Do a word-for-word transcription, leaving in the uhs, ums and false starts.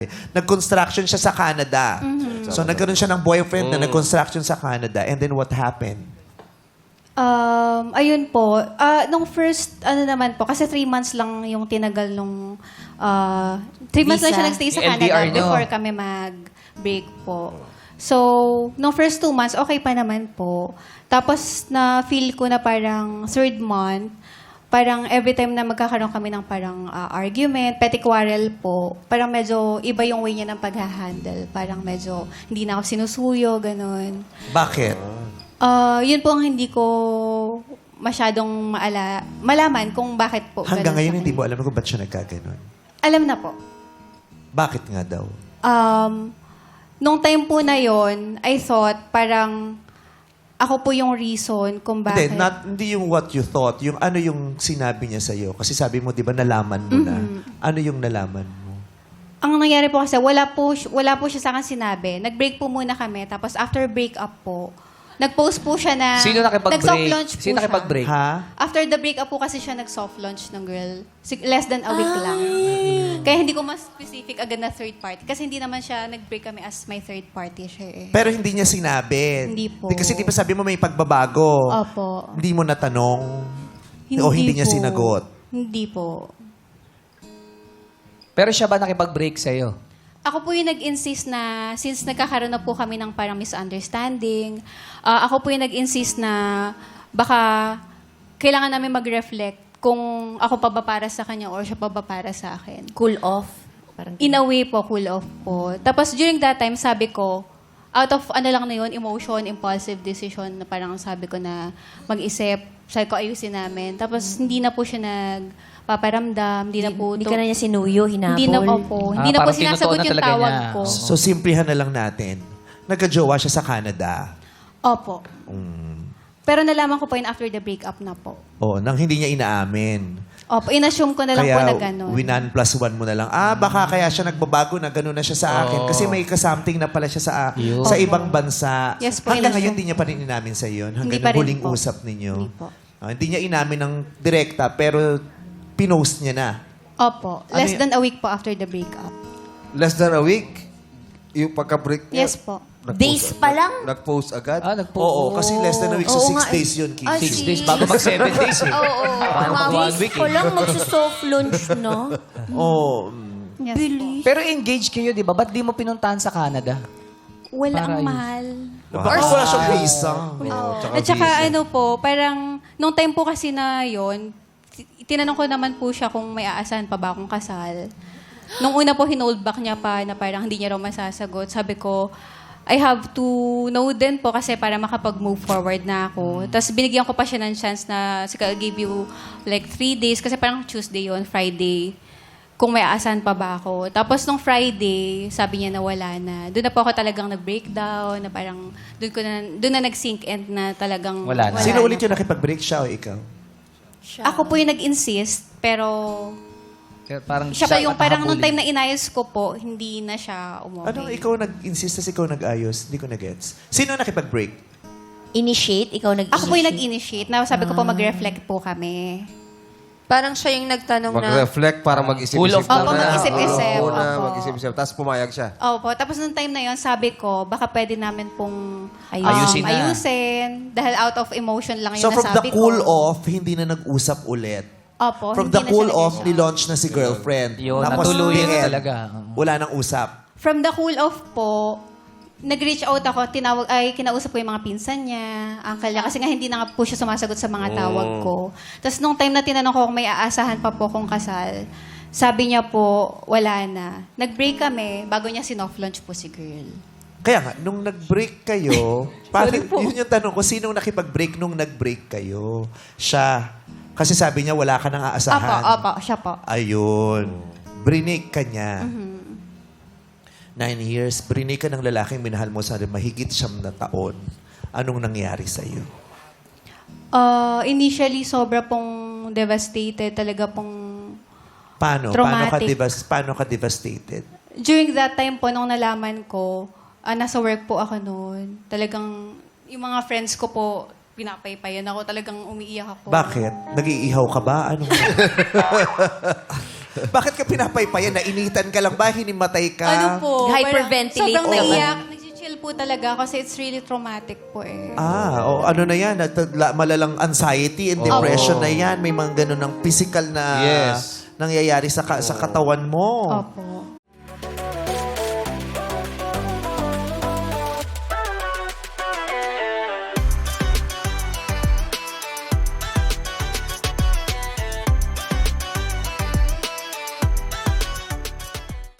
Nag-construction siya sa Canada. So, nagkaroon siya ng boyfriend na nag-construction sa Canada. And then, what happened? Um, ayun po. Ah, nung first, ano naman po, kasi three months lang yung tinagal nung, ah, three months lang Visa. siya nagstay sa Yung L D R Canada nyo. before kami mag-break po. So, nung first two months, okay pa naman po. Tapos, na-feel ko na parang third month, parang every time na magkakaroon kami ng parang ah, argument, petty quarrel po, parang medyo iba yung way niya ng pag-handle. Parang medyo hindi na ako sinusuyo, ganun. Bakit? Ah, yun po ang hindi ko masyadong maala malaman kung bakit po. Hanggang ganun ngayon, sa hindi kanya. mo alam kung ba't siya nagkaganon. Alam na po. Bakit nga daw? Um, nung time po na yon, I thought parang ako po yung reason kung bakit. Hindi, not, hindi yung what you thought. Yung ano yung sinabi niya sa'yo. Kasi sabi mo, di ba, nalaman mo na. Ano yung nalaman mo? Ang nangyari po kasi, wala po, si- wala po siya sa akin sinabi. Nag-break po muna kami. Tapos after break up po, nag-post po siya na... Sino nakipag-break? Nag-soft launch po Sino siya. nakipag-break? Ha? After the break up po kasi siya nag-soft launch ng girl. Sig- Less than a week lang. Kaya hindi ko mas specific agad na third party. Kasi hindi naman siya nag-break kami as my third party siya eh. Pero hindi niya sinabi. Hindi po. Di, kasi di ba sabi mo may pagbabago? Opo. Hindi mo natanong? o hindi niya po. sinagot? Hindi po. Pero siya ba nakipag-break sa'yo? Ako po yung nag-insist na, since nagkakaroon na po kami ng parang misunderstanding, ah, ako po yung nag-insist na baka kailangan namin mag-reflect kung ako pa ba para sa kanya or siya pa ba para sa akin. Cool off. Parang In a way po, cool off po. Tapos during that time, sabi ko, out of ano lang na yun, emotion, impulsive decision, na parang sabi ko na mag-isip, sabi ko ayusin namin. Tapos hindi na po siya nagpaparamdam, hindi na po... Hindi to- ka na niya sinuyo, hinabol. Hindi na po po. Ah, Hindi na po parang sinasagot tinutuon na yung talaga tawag niya. ko. So, simplihan na lang natin. Nagka-jowa siya sa Canada. Opo. Pero nalaman ko po yun after the breakup na po. Oh, nang hindi niya inaamin. Opo, inassume ko na lang po Kaya, na gano'n. winan plus one mo na lang. Ah, baka kaya siya nagbabago na gano'n na siya sa akin. Kasi may kasamting na pala siya sa Yun. sa Opo. ibang bansa. Yes po, Hanggang inassume. ngayon, hindi niya pa rin inamin sa iyo. Hanggang Hindi pa nang rin huling po. usap ninyo. Hindi po. Ah, hindi niya inamin ng direkta, pero pinost niya na. Opo, Ano less y- than a week po after the breakup. Less than a week? Yung pagka-break niya? Yes po. nag-post Days agad- pa lang? Nag-post agad? Ah, nagpo. Oo, kasi less than a week. So, Oo six nga eh. days yun, Kim. Ah, Six si- days bago mag-seven days eh. Oo, oo. Parang Mga one weeks week ko eh. lang magsusoft launch, no? Oo. mm. Yes po. Pero engaged kayo, di ba? Ba't di mo pinuntahan sa Canada? Wala Para ang yun. mahal. Baka wala siyang visa. Oo, tsaka At saka visa. ano po, parang nung time po kasi na yon, ti- tinanong ko naman po siya kung may aasahan pa ba akong kasal. Nung una po, hinold back niya pa na parang hindi niya raw masasagot. Sabi ko, I have to know din po kasi para makapag-move forward na ako. Tapos binigyan ko pa siya ng chance na, sige, I'll give you like three days kasi parang Tuesday yon, Friday, kung may aasahan pa ba ako. Tapos nung Friday, sabi niya na wala na. Doon na po ako talagang nag-breakdown, na parang, doon ko na, doon na nag-sink and na talagang Wala na. Sino na. ulit yung nakipag-break, siya o ikaw? Ako po yung nag-insist, pero Kaya Parang siya po yung parang nung nakahabulin. time na inayos ko po, hindi na siya umuwi. Ano, ikaw nag-insist, tas ikaw nag-ayos? Hindi ko na-gets. Sino nakipag-break? Initiate? Ikaw nag-initiate? Ako po yung nag-initiate. Na sabi ko po mag-reflect po kami. Parang siya yung nagtanong na, Mag-reflect para mag-isip-isip. Full of- na Opo, na. mag-isip-isip. Oo, na Opo. mag-isip-isip. Tapos pumayag siya. Opo. Tapos nung time na yon sabi ko, baka pwede namin pong um, Ayusin na. ayusin. Dahil out of emotion lang yun So, from the nasabi cool ko. off, hindi na nag-usap ulit. Opo, From hindi the na cool siya off, nag-usap. ni-launch na si girlfriend. Yun, Tapos, natuluyan na the end, talaga. Wala nang usap. From the cool off po, nag-reach out ako, tinawag, ay, kinausap ko yung mga pinsan niya, uncle niya, kasi nga hindi na nga po siya sumasagot sa mga tawag ko. Tapos nung time na tinanong ko kung may aasahan pa po kung kasal, sabi niya po, wala na. Nag-break kami, bago niya sinoff-launch po si girl. Kaya nga, nung nag-break kayo, parang, Sorry po. yun yung tanong ko, sinong nakipag-break nung nag-break kayo? Siya. Kasi sabi niya, wala ka nang Opo, aasahan. opo, siya po. Ayun. Brinig ka niya. Mm-hmm. Nine years, brinig ka ng lalaking minahal mo sa mahigit siyam na taon. Anong nangyari sa'yo? Uh, initially, sobra pong devastated, talaga pong... Paano? Paano ka, Traumatic. devas- paano ka devastated? During that time po, nung nalaman ko, ah, nasa work po ako noon. Talagang, yung mga friends ko po, pinapaypayan ako. Talagang umiiyak ako. Bakit? Nag-iihaw ka ba? Anong... Bakit ka pinapaypayan? Nainitan ka lang ba? Hinimatay ka? Ano po? Hyperventilate parang Sobrang naman. naiyak. Nag-chill po talaga kasi it's really traumatic po eh. Ah, o ano na yan? Nat- la- Malalang anxiety and depression na yan. May mga ganun ng physical na Yes. nangyayari sa, ka- sa katawan mo. Opo.